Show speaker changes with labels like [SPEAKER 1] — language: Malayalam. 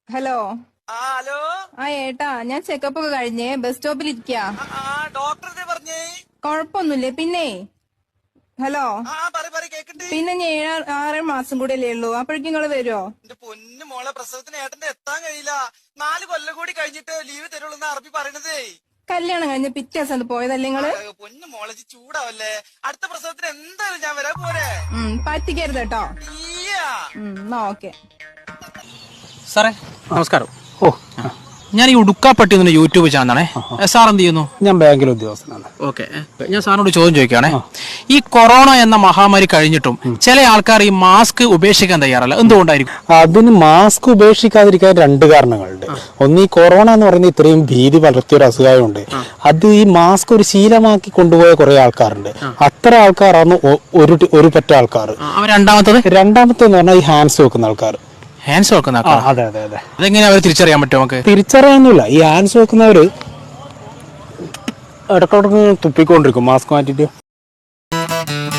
[SPEAKER 1] ഹലോ.
[SPEAKER 2] ഹലോ.
[SPEAKER 1] ഏട്ടാ, ഞാൻ ചെക്കപ്പ് ഒക്കെ കഴിഞ്ഞേ ബസ് സ്റ്റോപ്പിൽ ഇരിക്കാ.
[SPEAKER 2] ഡോക്ടർ പറഞ്ഞേ
[SPEAKER 1] കൊഴപ്പൊന്നുമില്ലേ? പിന്നെ ഹലോ,
[SPEAKER 2] കേക്കട്ടെ.
[SPEAKER 1] പിന്നെ ഞാൻ 6 മാസം കൂടെ അല്ലേ ഉള്ളൂ, അപ്പോഴേക്കും നിങ്ങള് വരുമോ?
[SPEAKER 2] എന്റെ പൊന്നു മോളെ, പ്രസവത്തിന് ഏട്ടന്റെ എത്താൻ കഴിയില്ല. 4 കൊല്ലം കൂടി കഴിഞ്ഞിട്ട് ലീവ് തരുള്ളൂ അറബി പറയണതേ.
[SPEAKER 1] കല്യാണം കഴിഞ്ഞ പിറ്റേ ദിവസം പോയതല്ലേ നിങ്ങള്?
[SPEAKER 2] പൊന്നു മോളെ ചൂടാവല്ലേ, അടുത്ത പ്രസവത്തിന് എന്തായാലും ഞാൻ വരാൻ പോരെ.
[SPEAKER 1] പറ്റിക്കരുത് കേട്ടോ. എന്നാ ഓക്കെ.
[SPEAKER 3] സാറേ നമസ്കാരം. ഞാൻ ഈ ഉടുക്കാപ്പട്ടി എന്ന യൂട്യൂബ് ചാനലാണേ. സാർ എന്ത് ചെയ്യുന്നു?
[SPEAKER 4] ഞാൻ ബാങ്കിലെ ഉദ്യോഗസ്ഥനാണ്.
[SPEAKER 3] ഓക്കെ, ഞാൻ സാറിനോട് ചോദ്യം ചോദിക്കുകയാണേ. ഈ കൊറോണ എന്ന മഹാമാരി കഴിഞ്ഞിട്ടും ചില ആൾക്കാർ ഈ മാസ്ക് ഉപേക്ഷിക്കാൻ തയ്യാറല്ല, എന്തുകൊണ്ടായിരിക്കും?
[SPEAKER 4] അതിന് മാസ്ക് ഉപേക്ഷിക്കാതിരിക്കാൻ 2 കാരണങ്ങളുണ്ട്. ഒന്ന്, ഈ കൊറോണ എന്ന് പറയുന്ന ഇത്രയും ഭീതി വളർത്തിയൊരു അസുഖമുണ്ട്. അത് ഈ മാസ്ക് ഒരു ശീലമാക്കി കൊണ്ടുപോയ കുറെ ആൾക്കാരുണ്ട്. അത്ര ആൾക്കാരാണ് ഒരു പറ്റ ആൾക്കാർ. രണ്ടാമത്തേന്ന് പറഞ്ഞാൽ ഈ ഹാൻഡ്സ് വെക്കുന്ന ആൾക്കാർ.
[SPEAKER 3] ഹാൻഡ്സ് വെക്കുന്ന ആൾക്കാർ?
[SPEAKER 4] അതെ അതെ അതെ.
[SPEAKER 3] അതെങ്ങനെ അവർ തിരിച്ചറിയാൻ പറ്റും? നമുക്ക്
[SPEAKER 4] തിരിച്ചറിയാനൊന്നുമില്ല. ഈ ഹാൻഡ്സ് വെക്കുന്നവര് ഇടയ്ക്കിടക്ക് തുപ്പിക്കൊണ്ടിരിക്കും മാസ്ക് മാറ്റിട്ട്.